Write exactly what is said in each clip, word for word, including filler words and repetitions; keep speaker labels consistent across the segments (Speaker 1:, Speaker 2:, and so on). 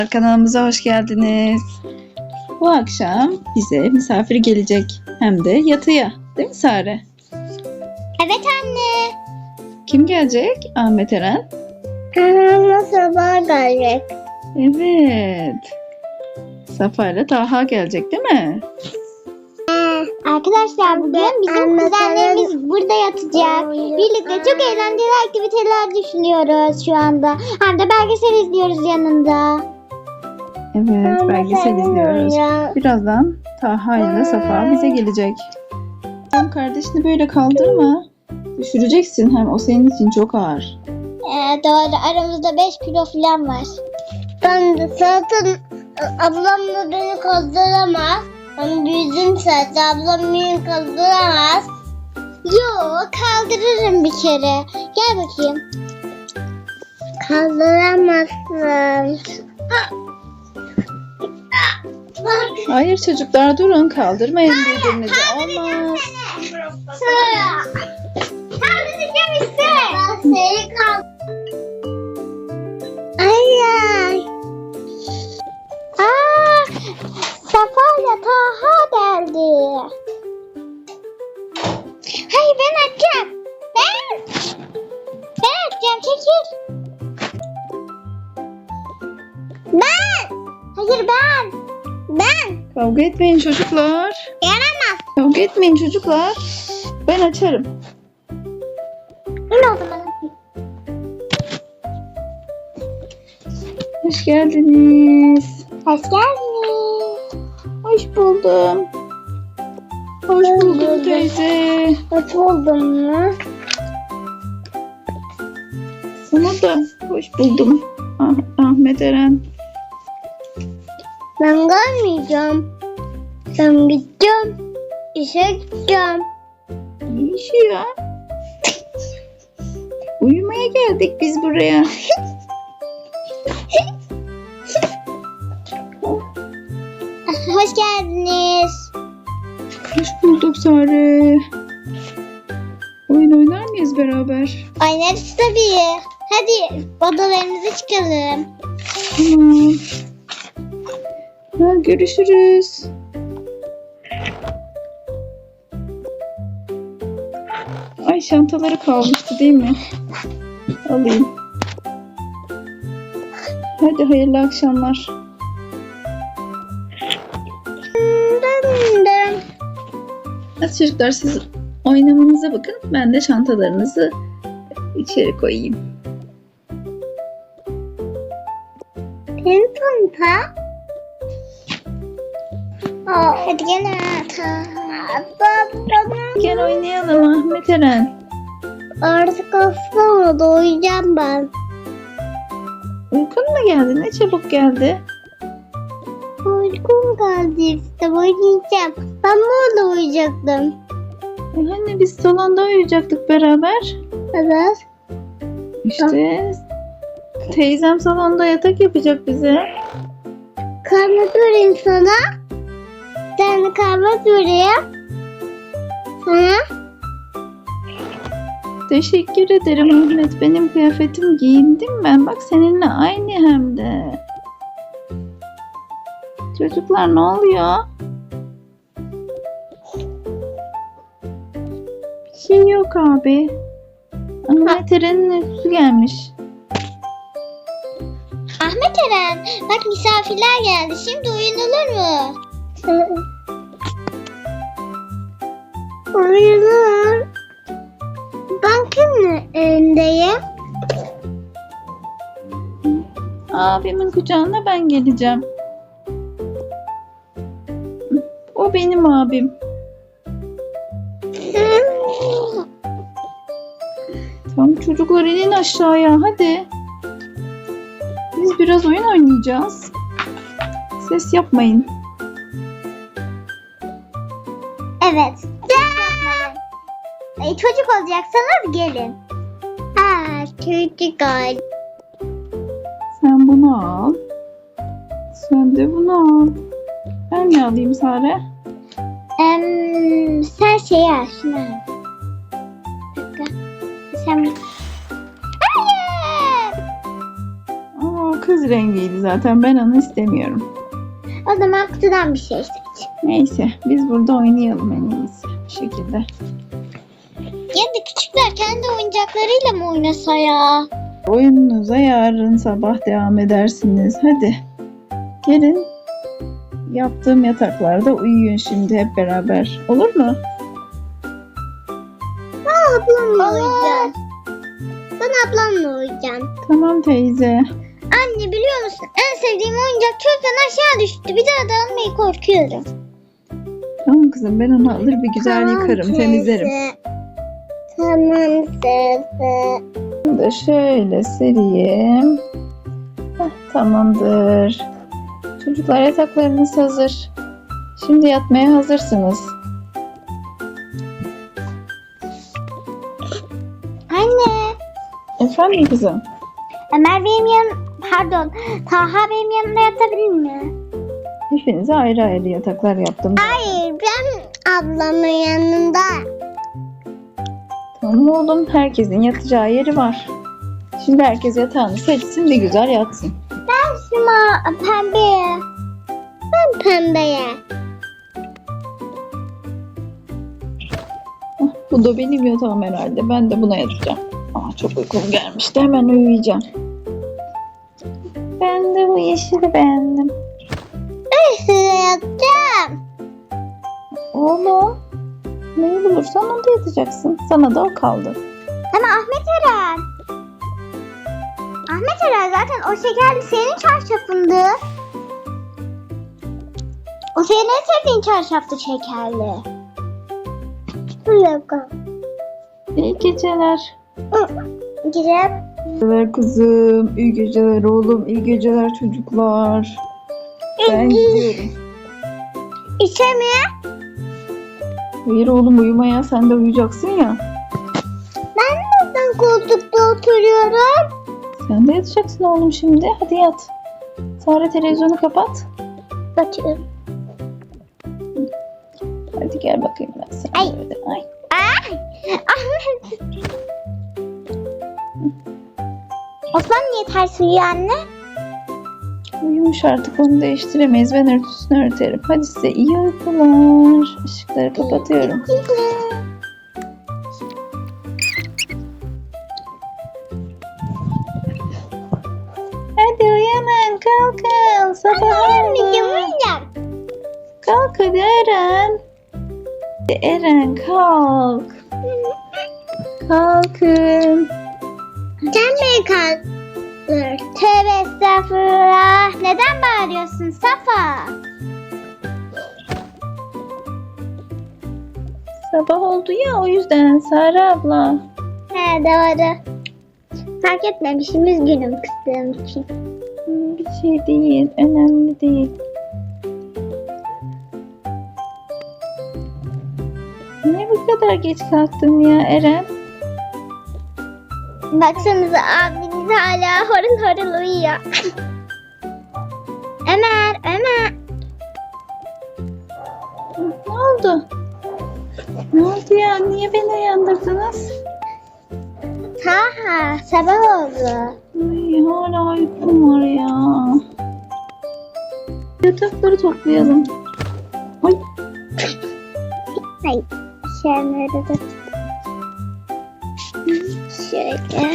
Speaker 1: Kanalımıza hoş geldiniz. Bu akşam bize misafir gelecek. Hem de yatıya. Değil mi Sare?
Speaker 2: Evet anne.
Speaker 1: Kim gelecek? Ahmet Eren.
Speaker 2: Anamla sabah gelecek.
Speaker 1: Evet. Safa ile Taha gelecek değil mi?
Speaker 2: Arkadaşlar bugün bizim kuzenlerimiz burada yatacak. Birlikte çok eğlenceli aktiviteler düşünüyoruz şu anda. Hem de belgesel izliyoruz yanında.
Speaker 1: Evet, belgesel izliyoruz. Birazdan Taha ile Safa bize gelecek. Sen kardeşini böyle kaldırma. Düşüreceksin, hem o senin için çok ağır.
Speaker 2: Ee, doğru, aramızda beş kilo falan var. Ben de zaten ablam da beni kaldıramaz. Ben büyüdüm zaten, ablam beni kaldıramaz. Yok, kaldırırım bir kere. Gel bakayım. Kaldıramazsın.
Speaker 1: Hayır çocuklar, durun, kaldırmayın birbirinizi. Olmaz.
Speaker 2: Kaldıracağım işte. Ben seni kaldır. Ay ay. Aa, Safa ile Taha geldi. Hayır, ben açacağım. Ben. Ben açacağım, çekil. Ben. Hayır ben. Ben.
Speaker 1: Kavga etmeyin çocuklar.
Speaker 2: Yaramaz.
Speaker 1: Kavga etmeyin çocuklar. Ben açarım.
Speaker 2: Ne oldu bana?
Speaker 1: Hoş geldiniz.
Speaker 2: Hoş geldiniz.
Speaker 1: Hoş buldum. Hoş buldum teyze.
Speaker 2: Hoş buldum mu?
Speaker 1: Sana da hoş buldum. Ah, Ahmet Eren.
Speaker 2: Ben gelmeyeceğim. Ben gideceğim. İşe gideceğim.
Speaker 1: İyi işi ya. Uyumaya geldik biz buraya.
Speaker 2: Hoş geldiniz.
Speaker 1: Hoş bulduk Sare. Oyun oynar mıyız beraber?
Speaker 2: Oynarız tabii. Hadi odalarımıza çıkalım.
Speaker 1: Tamam. Ha, görüşürüz. Ay, çantaları kalmıştı değil mi? Alayım. Hadi hayırlı akşamlar. Hadi çocuklar, siz oynamanıza bakın. Ben de çantalarınızı içeri koyayım.
Speaker 2: Senin çanta. Aa, hadi gel ata.
Speaker 1: Gel oynayalım Ahmet Eren.
Speaker 2: Artık aslında uyuyacağım ben.
Speaker 1: Uykun mu geldi? Ne çabuk geldi.
Speaker 2: Uykum geldi işte, oynayacağım. Ben burada uyuyacaktım.
Speaker 1: E hani biz salonda uyuyacaktık beraber.
Speaker 2: Evet.
Speaker 1: İşte teyzem salonda yatak yapacak bize.
Speaker 2: Kahve vereyim sana. Sen de kahve vereyim. Sana.
Speaker 1: Teşekkür ederim Ahmet. Benim kıyafetim giyindim ben. Bak seninle aynı hem de. Çocuklar ne oluyor? Bir şey yok abi. Ahmet Eren'in uykusu gelmiş.
Speaker 2: Ahmet Eren, bak misafirler geldi. Şimdi uyunulur mu? Uyunur. Ben kimin elindeyim?
Speaker 1: Abimin kucağına ben geleceğim. O benim abim. Tamam çocuklar, inin aşağıya hadi. Biz biraz oyun oynayacağız. Ses yapmayın.
Speaker 2: Evet. Ay, çocuk olacaksanız gelin. Aa, çocuk ol.
Speaker 1: Sen bunu al. Sen de bunu al. Ben ne alayım Sare?
Speaker 2: Em, sen şeyi al, şunu al. Bir dakika. Sen... Hayır!
Speaker 1: Aa, kız rengiydi zaten. Ben onu istemiyorum.
Speaker 2: O zaman kutudan bir şey seç.
Speaker 1: Neyse biz burada oynayalım en iyisi bu şekilde.
Speaker 2: Ya da küçükler kendi oyuncaklarıyla mı oynasa ya?
Speaker 1: Oyununuza yarın sabah devam edersiniz. Hadi gelin. Yaptığım yataklarda uyuyun şimdi hep beraber. Olur mu?
Speaker 2: Ben ablamla uyuyacağım. Ben ablamla uyuyacağım.
Speaker 1: Tamam teyze.
Speaker 2: Anne biliyor musun? En sevdiğim oyuncak çöpten aşağı düştü. Bir daha da almayı korkuyorum.
Speaker 1: Tamam kızım ben onu alır bir güzel yıkarım, temizlerim.
Speaker 2: Tamam teyze.
Speaker 1: Bunu da şöyle sereyim. Heh, tamamdır. Çocuklar yataklarınız hazır. Şimdi yatmaya hazırsınız.
Speaker 2: Anne.
Speaker 1: Efendim kızım?
Speaker 2: Ömer benim yan... Pardon. Taha benim yanımda yatabilir mi?
Speaker 1: Hepinize ayrı ayrı yataklar yaptım.
Speaker 2: Hayır ben ablamın yanında.
Speaker 1: Tamam oğlum, herkesin yatacağı yeri var. Şimdi herkes yatağını seçsin, bir güzel yatsın.
Speaker 2: Ben şuna pembeye. Ben pembeye.
Speaker 1: Hah, bu da benim yatağım herhalde. Ben de buna yatacağım. Aa, çok uykum gelmişti. Hemen uyuyacağım. Ben de bu yeşili beğendim.
Speaker 2: Ben size yatacağım.
Speaker 1: Oğlum, neyi bulursan onda yatacaksın. Sana da o kaldı.
Speaker 2: Ama Ahmet Eren. Ahmet Eren zaten o şekerli senin çarşafındı. O senin en sevdiğin çarşaftı şekerli. Bir dakika.
Speaker 1: İyi geceler.
Speaker 2: Girip.
Speaker 1: İyi geceler kızım. İyi geceler oğlum. İyi geceler çocuklar. Ben gidiyorum.
Speaker 2: İşe mi?
Speaker 1: Hayır oğlum, uyumaya, sen de uyuyacaksın ya.
Speaker 2: Ben neden koltukta oturuyorum?
Speaker 1: Sen de yatacaksın oğlum şimdi. Hadi yat. Sare televizyonu kapat.
Speaker 2: Kaçıyorum.
Speaker 1: Hadi gel bakayım ben sana.
Speaker 2: Ay.
Speaker 1: Böyle. Ay.
Speaker 2: Ay! Ahmet! Osman niye ters uyuyor anne?
Speaker 1: Uyumuş artık, onu değiştiremeyiz. Ben örtüsünü örterim. Hadi size iyi uykular. Işıkları kapatıyorum. Hadi uyanın, kalkın. Sabah
Speaker 2: Anneciğim
Speaker 1: oldu.
Speaker 2: uyuyacağım.
Speaker 1: Kalk hadi Eren. Hadi Eren kalk. Kalkın.
Speaker 2: Sen mi kalktın? Tövbe estağfurullah. Neden bağırıyorsun Safa?
Speaker 1: Sabah oldu ya, o yüzden Sare abla.
Speaker 2: He doğru. Fark etmemişim, üzgünüm kızdığım için.
Speaker 1: Hmm, Bir şey değil, önemli değil. Ne bu kadar geç kalktın ya Eren?
Speaker 2: Baksanıza abiniz hala horul horul uyuyor. Ömer, Ömer.
Speaker 1: Ne oldu? Ne oldu ya? Niye beni uyandırdınız?
Speaker 2: Taha, sabah oldu.
Speaker 1: Ay, hala uykum var ya. Yatakları toplayalım. Ay,
Speaker 2: Hayır, şöyle de. Şöyle.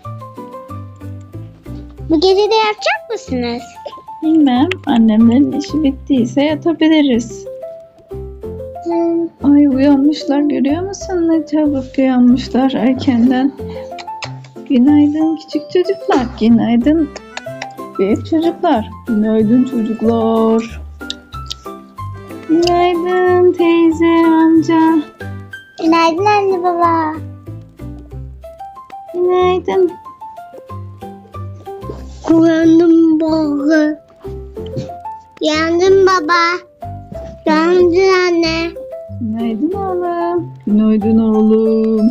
Speaker 2: Bu gece de yapacak mısınız?
Speaker 1: bilmem. Annemlerin işi bittiyse yatabiliriz.
Speaker 2: Hmm.
Speaker 1: Ay, uyanmışlar, görüyor musun? Ne çabuk uyanmışlar erkenden. Günaydın küçük çocuklar. Günaydın büyük çocuklar. Günaydın çocuklar. Günaydın teyze, amca.
Speaker 2: Günaydın anne baba.
Speaker 1: Günaydın.
Speaker 2: Uyandım baba. Uyandım baba. Uyandım anne.
Speaker 1: Günaydın oğlum. Günaydın oğlum.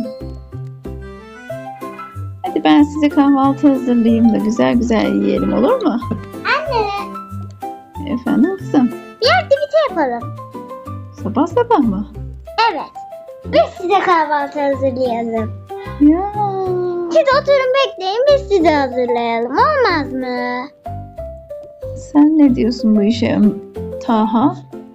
Speaker 1: Hadi ben size kahvaltı hazırlayayım da güzel güzel yiyelim, olur mu?
Speaker 2: Anne,
Speaker 1: Efendim kızım.
Speaker 2: bir aktivite yapalım.
Speaker 1: Sabah sabah mı?
Speaker 2: Evet. Biz size kahvaltı hazırlayalım.
Speaker 1: Ya.
Speaker 2: Siz oturun bekleyin, biz size hazırlayalım. Olmaz mı?
Speaker 1: Sen ne diyorsun bu işe Taha?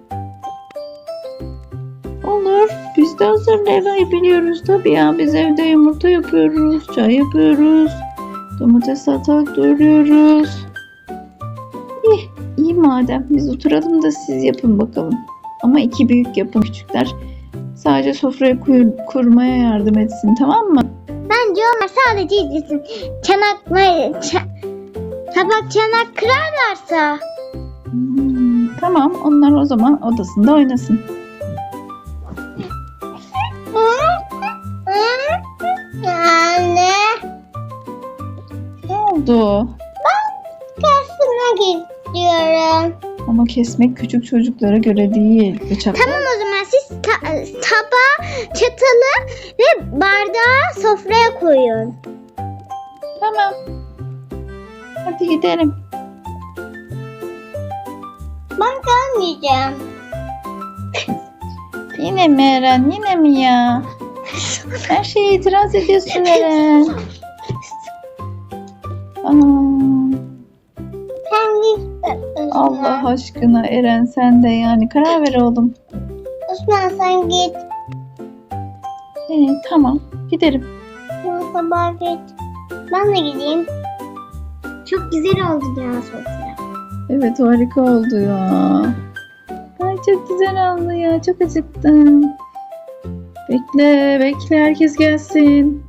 Speaker 1: Olur. Biz de hazırlayabiliyoruz tabii ya. Biz evde yumurta yapıyoruz, çay yapıyoruz, domates salatalık doğruyoruz. İyi, iyi madem. Biz oturalım da siz yapın bakalım. Ama iki büyük yapın, küçükler sadece sofrayı kur- kurmaya yardım etsin, tamam mı?
Speaker 2: Bence onlar sadece izlesin. Çanakları, ça- tabak çanak kırarlarsa.
Speaker 1: Hmm, tamam, onlar o zaman odasında oynasın.
Speaker 2: Anne,
Speaker 1: Ne oldu?
Speaker 2: kesmek istiyorum.
Speaker 1: Ama kesmek küçük çocuklara göre değil. Bıçak.
Speaker 2: Tamam, o zaman siz ta- tabağı, çatalı ve bardağı sofraya koyun.
Speaker 1: Tamam. Hadi gidelim.
Speaker 2: Ben gelmeyeceğim.
Speaker 1: Yine mi Eren? Yine mi ya? Her şeye itiraz ediyorsun Eren. Aa,
Speaker 2: Sen git.
Speaker 1: Allah aşkına Eren, sen de yani karar ver oğlum.
Speaker 2: Osman, sen git.
Speaker 1: Ee, tamam, giderim.
Speaker 2: Sen sabah git. Ben de gideyim. Çok güzel oldu ya sofra.
Speaker 1: Evet, harika oldu ya. Ay çok güzel oldu ya. Çok acıktım. Bekle, bekle, herkes gelsin.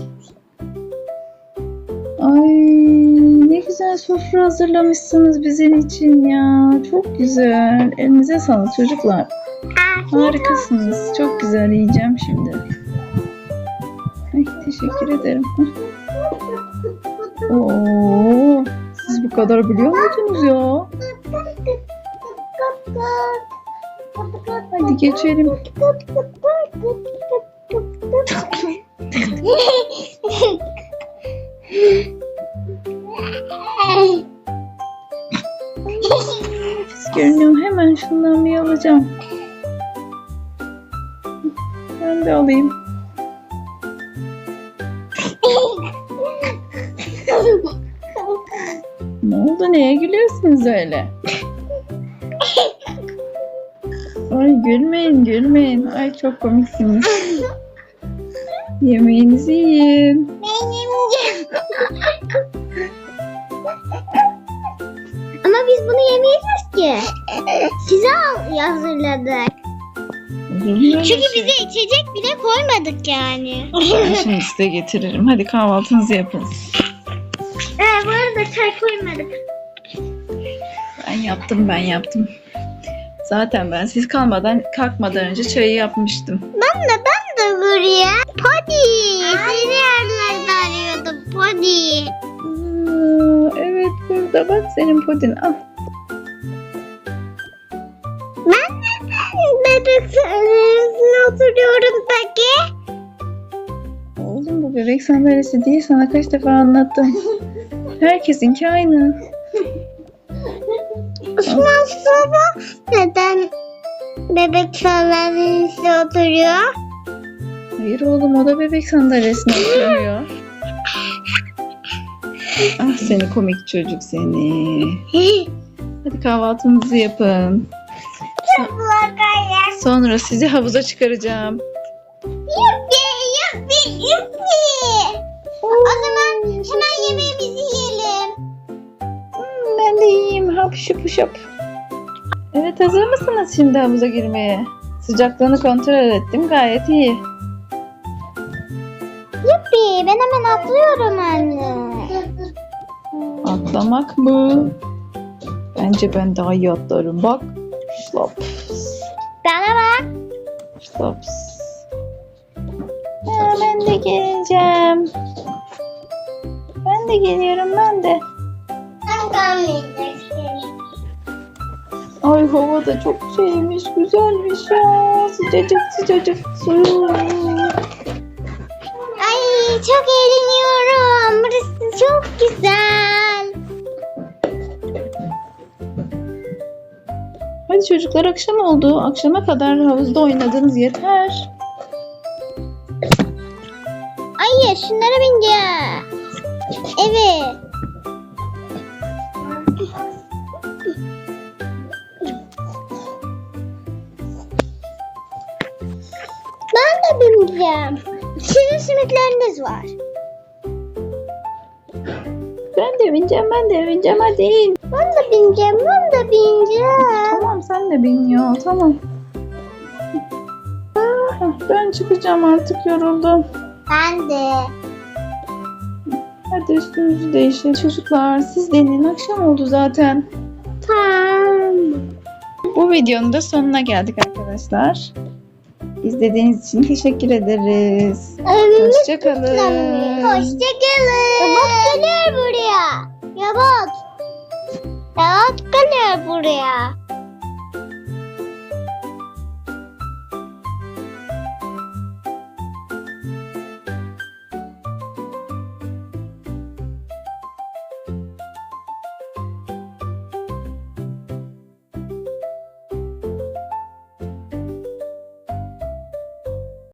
Speaker 1: Ay ne güzel sofra hazırlamışsınız bizim için ya. Çok güzel. Elinize sağlık çocuklar. Harikasınız. Çok güzel, yiyeceğim şimdi. Ay, teşekkür ederim. Oo, siz bu kadar biliyor muydunuz ya? Hadi geçelim. Pis görünüyor. Hemen şundan bir alacağım. Ben de alayım. Ne oldu? Neye gülüyorsunuz öyle? Ay gülmeyin, gülmeyin. Ay çok komiksiniz. Yemeğinizi yiyin.
Speaker 2: Ben yemeyeceğim. Ama biz bunu yemeyeceğiz ki. Size al- hazırladık. Çünkü bize içecek bile koymadık yani.
Speaker 1: Ben şimdi size getiririm. Hadi kahvaltınızı yapın.
Speaker 2: Ee, bu arada çay koymadık.
Speaker 1: Ben yaptım, ben yaptım. Zaten ben siz kalmadan, kalkmadan önce çayı yapmıştım.
Speaker 2: Ben de ben de buraya. Podi. Seni yerlerde arıyordum. Podi.
Speaker 1: Aa, evet burada bak senin podin. Al.
Speaker 2: Ben neden bebek sandalyesine oturuyorum peki?
Speaker 1: Oğlum bu bebek sandalyesi değil, sana kaç defa anlattım. Herkesinki aynı.
Speaker 2: Osman baba neden bebek sandalyesine oturuyor?
Speaker 1: Hayır oğlum, o da bebek sandalyesine oturuyor. Ah seni komik çocuk seni. Hadi kahvaltınızı yapın. Sonra sizi havuza çıkaracağım.
Speaker 2: Yuppi yuppi yuppi. O zaman hemen yemeğimizi yiyelim.
Speaker 1: Hmm, ben de yiyeyim. Hap şup şup. Evet, hazır mısınız şimdi havuza girmeye? Sıcaklığını kontrol ettim. Gayet iyi.
Speaker 2: Yuppi, ben hemen atlıyorum anne.
Speaker 1: Atlamak mı? Bence ben daha iyi atlarım. Bak. Şlop.
Speaker 2: Bana bak.
Speaker 1: Şlop. Ya ben de geleceğim. Ben de geliyorum, ben de.
Speaker 2: Ben kalmayacaksın.
Speaker 1: Ay hava da çok şeymiş, güzelmiş ya. Sıcacık sıcacık su.
Speaker 2: Ay çok eğleniyorum. Burası çok güzel.
Speaker 1: Hadi çocuklar, akşam oldu. Akşama kadar havuzda oynadınız yeter.
Speaker 2: Ay şunlara bineceğiz. Evet. da bineceğim. Sizin simitleriniz var.
Speaker 1: Ben de bineceğim, ben de bineceğim, hadi in.
Speaker 2: Ben de bineceğim, ben de bineceğim.
Speaker 1: Tamam, sen de bin ya, tamam. Ah, Ben çıkacağım artık, yoruldum.
Speaker 2: Ben de.
Speaker 1: Hadi üstümüzü değişelim. Çocuklar siz de inin, akşam oldu zaten.
Speaker 2: Tamam.
Speaker 1: Bu videonun da sonuna geldik arkadaşlar. İzlediğiniz için teşekkür ederiz. Hoşçakalın.
Speaker 2: Hoşçakalın. Yabat geliyor buraya. Yabat. Yabat geliyor buraya.